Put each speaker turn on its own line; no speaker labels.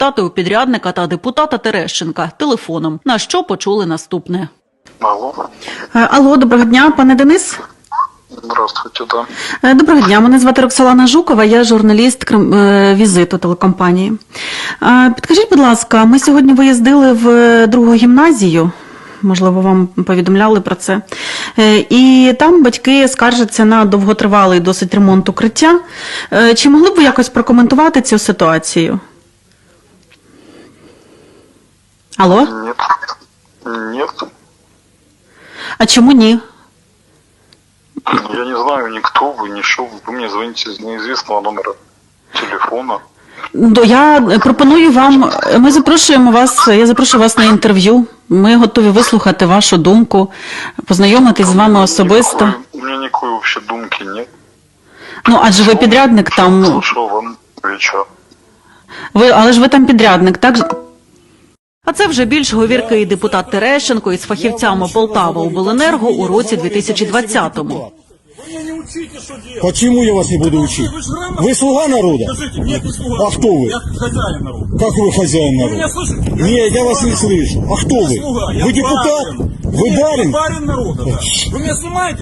запитати у підрядника та депутата Терещенка телефоном, на що почули наступне.
Алло.
Алло, доброго дня, пане Денис.
Здравствуйте, да.
Доброго дня, мене звати Роксолана Жукова, я журналіст «Візиту» телекомпанії. Підкажіть, будь ласка, ми сьогодні виїздили в другу гімназію, можливо, вам повідомляли про це, і там батьки скаржаться на довготривалий досить ремонт укриття. Чи могли б ви якось прокоментувати цю ситуацію? Алло?
Нет. Нет.
А чому ні?
Я не знаю, никто вы, ни что. Вы мне звоните с неизвестного номера телефона.
Я пропоную вам, ми запрошуємо вас, я запрошую вас на інтерв'ю. Ми готові вислухати вашу думку, познайомитись з вами особисто.
У меня никакой вообще думки нет.
Ну, адже ви підрядник там.
Слушал вам вечер.
Але ж ви там підрядник, так?
А це вже більш говіркий депутат Терещенко із фахівцями Полтава обленерго у році 2020-му.
Почему я вас не буду учить? Вы слуга народа?
Скажите, нет, не слуга.
А кто вы?
Я хозяин народа.
Как вы хозяин
Вы
народа?
меня слышите?
Нет, я вас не слышу. А кто вы?
Слуга. Я
Вы депутат?
барин.
Вы
Нет,
барин?
я барин народа, да. Вы меня снимаете?